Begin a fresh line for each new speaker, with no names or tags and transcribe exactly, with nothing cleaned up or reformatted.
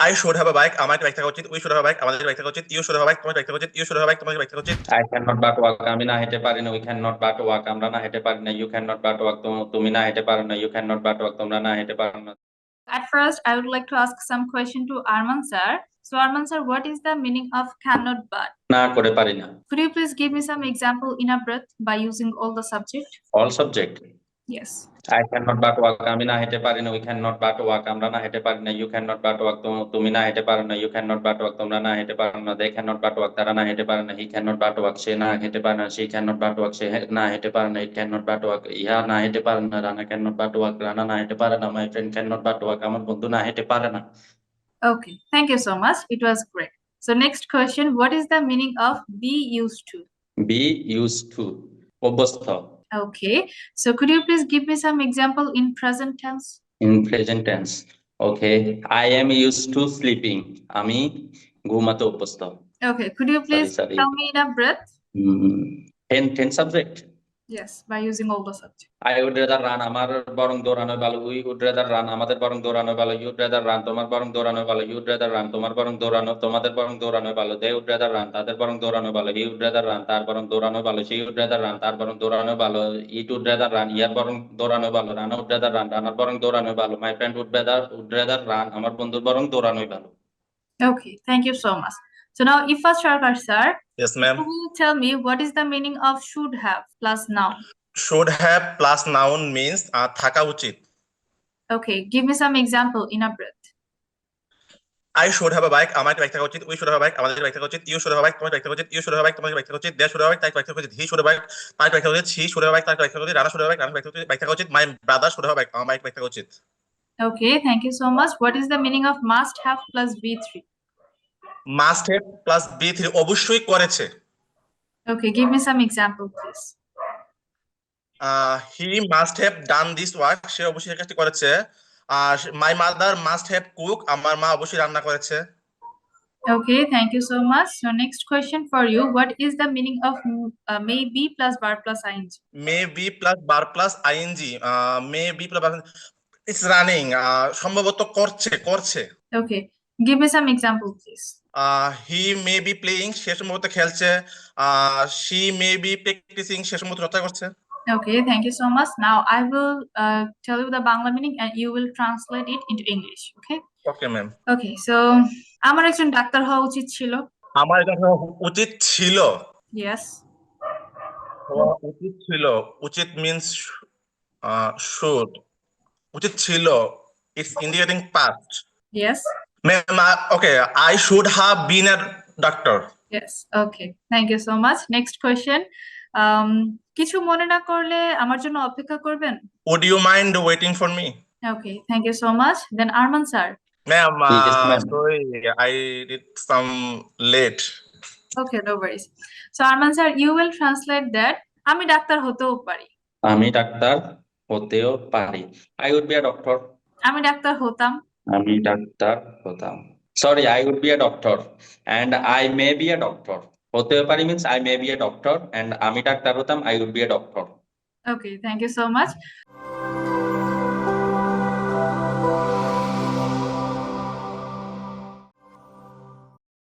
I should have a bike. আমার একটা bike থাকা উচিত। We should have a bike. আমাদের বাইক থাকা উচিত। You should have a bike. তোমার বাইক থাকা উচিত। You should have a bike. তোমার বাইক থাকা উচিত।
I cannot but walk. আমি না হেঁটে পারি না। We cannot but walk. আমরা না হেঁটে পারি না। You cannot but walk. তুমি না হেঁটে পারো না। You cannot but walk. তোমরা না হেঁটে পারো না।
At first, I would like to ask some question to Arman sir. So Arman sir, what is the meaning of cannot but?
না করে পারি না।
Could you please give me some example in a breath by using all the subject?
All subject.
Yes.
I cannot but walk. আমি না হেঁটে পারি না। We cannot but walk. আমরা না হেঁটে পারি না। You cannot but walk. তুমি না হেঁটে পারো না। You cannot but walk. তোমরা না হেঁটে পারো না। They cannot but walk. তারা না হেঁটে পারে না। He cannot but walk. সে না হেঁটে পারে না। She cannot but walk. সে না হেঁটে পারে না। It cannot but walk. ইহা না হেঁটে পারে না। Rana cannot but walk. Rana না হেঁটে পারে না। My friend cannot but walk. আমার বন্ধু না হেঁটে পারে না।
Okay, thank you so much. It was great. So next question, what is the meaning of be used to?
Be used to. অভ্যস্ত।
Okay, so could you please give me some example in present tense?
In present tense. Okay, I am used to sleeping. আমি ঘুমাতে অভ্যস্ত।
Okay, could you please
sorry, sorry.
tell me in a breath?
Mm, ten, ten subject.
Yes, by using all the subject.
I would rather run. আমার বরং দৌড়ানো ভালো। We would rather run. আমাদের বরং দৌড়ানো ভালো। You would rather run. তোমার বরং দৌড়ানো ভালো। You would rather run. তোমার বরং দৌড়ানো তোমাদের বরং দৌড়ানো ভালো। They would rather run. তাদের বরং দৌড়ানো ভালো। He would rather run. তার বরং দৌড়ানো ভালো। She would rather run. তার বরং দৌড়ানো ভালো। It would rather run. ইয়ার বরং দৌড়ানো ভালো। Rana would rather run. রানার বরং দৌড়ানো ভালো। My friend would rather would rather run. আমার বন্ধুর বরং দৌড়ানোই ভালো।
Okay, thank you so much. So now Ifas Sharkar sir,
Yes, ma'am.
could you tell me what is the meaning of should have plus noun?
Should have plus noun means uh, থাকা উচিত।
Okay, give me some example in a breath.
I should have a bike. আমার একটা bike থাকা উচিত। We should have a bike. আমাদের bike থাকা উচিত। You should have a bike. তোমার বাইক থাকা উচিত। You should have a bike. তোমার বাইক থাকা উচিত। They should have a bike. তার বাইক থাকা উচিত। He should have a bike. তার বাইক থাকা উচিত। She should have a bike. তার বাইক থাকা উচিত। Rana should have a bike. রানার বাইক থাকা উচিত। My brother should have a bike. আমার বাইক থাকা উচিত।
Okay, thank you so much. What is the meaning of must have plus B three?
Must have plus B three অবশ্যই করেছে।
Okay, give me some example, please.
Uh, he must have done this work. সে অবশ্যই এই কাজটি করেছে। আর my mother must have cook. আমার মা অবশ্যই রান্না করেছে।
Okay, thank you so much. So next question for you. What is the meaning of uh, may be plus bar plus ing?
May be plus bar plus ing. Uh, may be plus bar it's running. Uh, সম্ভবত করছে করছে।
Okay, give me some example, please.
Uh, he may be playing. সে সম্ভবত খেলছে। Uh, she may be practicing. সে সম্ভবত চর্চা করছে।
Okay, thank you so much. Now I will uh, tell you the Bangla meaning and you will translate it into English. Okay?
Okay, ma'am.
Okay, so আমার একজন doctor হওয়া উচিত ছিল।
আমার একজন হওয়া উচিত ছিল।
Yes.
হওয়া উচিত ছিল। উচিত means uh, should. উচিত ছিল. It's indicating past.
Yes.
Ma'am, uh, okay, I should have been a doctor.
Yes. Okay. Thank you so much. Next question. Um, কিছু মনে না করলে আমার জন্য অপেক্ষা করবেন?
Would you mind waiting for me?
Okay. Thank you so much. Then Arman sir.
Ma'am, uh,
Yes, ma'am.
sorry, I did some late.
Okay, no worries. So Arman sir, you will translate that. আমি doctor হতেও পারি।
আমি doctor হতেও পারি। I would be a doctor.
আমি doctor হতাম।
আমি doctor হতাম। Sorry, I would be a doctor and I may be a doctor. হতেও পারি means I may be a doctor and আমি ডাক্তার হতাম I would be a doctor.
Okay, thank you so much.